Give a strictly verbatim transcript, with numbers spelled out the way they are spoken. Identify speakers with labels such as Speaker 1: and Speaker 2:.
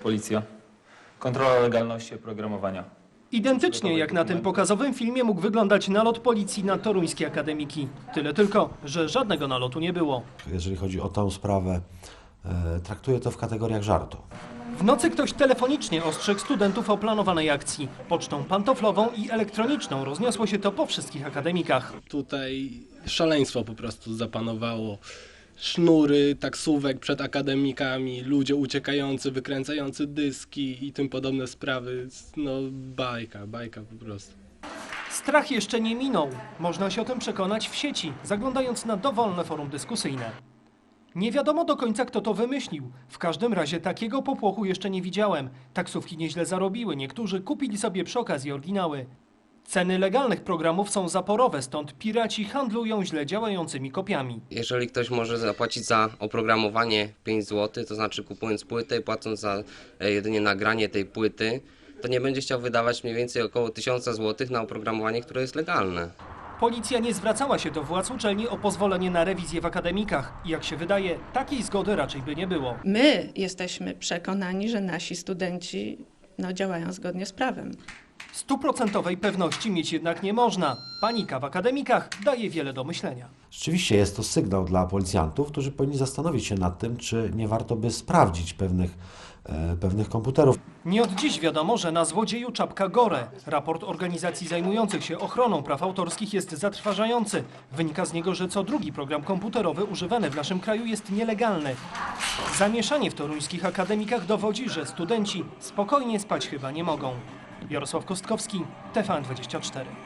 Speaker 1: Policja. Kontrola legalności oprogramowania.
Speaker 2: Identycznie jak na tym pokazowym filmie mógł wyglądać nalot policji na toruńskie akademiki. Tyle tylko, że żadnego nalotu nie było.
Speaker 3: Jeżeli chodzi o tę sprawę, e, traktuję to w kategoriach żartu.
Speaker 2: W nocy ktoś telefonicznie ostrzegł studentów o planowanej akcji. Pocztą pantoflową i elektroniczną rozniosło się to po wszystkich akademikach.
Speaker 4: Tutaj szaleństwo po prostu zapanowało. Sznury taksówek przed akademikami, ludzie uciekający, wykręcający dyski i tym podobne sprawy. No bajka, bajka po prostu.
Speaker 2: Strach jeszcze nie minął. Można się o tym przekonać w sieci, zaglądając na dowolne forum dyskusyjne. Nie wiadomo do końca, kto to wymyślił. W każdym razie takiego popłochu jeszcze nie widziałem. Taksówki nieźle zarobiły, niektórzy kupili sobie przy okazji oryginały. Ceny legalnych programów są zaporowe, stąd piraci handlują źle działającymi kopiami.
Speaker 5: Jeżeli ktoś może zapłacić za oprogramowanie pięć złotych, to znaczy kupując płytę i płacąc za jedynie nagranie tej płyty, to nie będzie chciał wydawać mniej więcej około tysiąc złotych na oprogramowanie, które jest legalne.
Speaker 2: Policja nie zwracała się do władz uczelni o pozwolenie na rewizję w akademikach. I jak się wydaje, takiej zgody raczej by nie było.
Speaker 6: My jesteśmy przekonani, że nasi studenci no, działają zgodnie z prawem.
Speaker 2: Stuprocentowej pewności mieć jednak nie można. Panika w akademikach daje wiele do myślenia.
Speaker 3: Rzeczywiście jest to sygnał dla policjantów, którzy powinni zastanowić się nad tym, czy nie warto by sprawdzić pewnych, e, pewnych komputerów.
Speaker 2: Nie od dziś wiadomo, że na złodzieju czapka gore. Raport organizacji zajmujących się ochroną praw autorskich jest zatrważający. Wynika z niego, że co drugi program komputerowy używany w naszym kraju jest nielegalny. Zamieszanie w toruńskich akademikach dowodzi, że studenci spokojnie spać chyba nie mogą. Jarosław Kostkowski, T V N dwadzieścia cztery.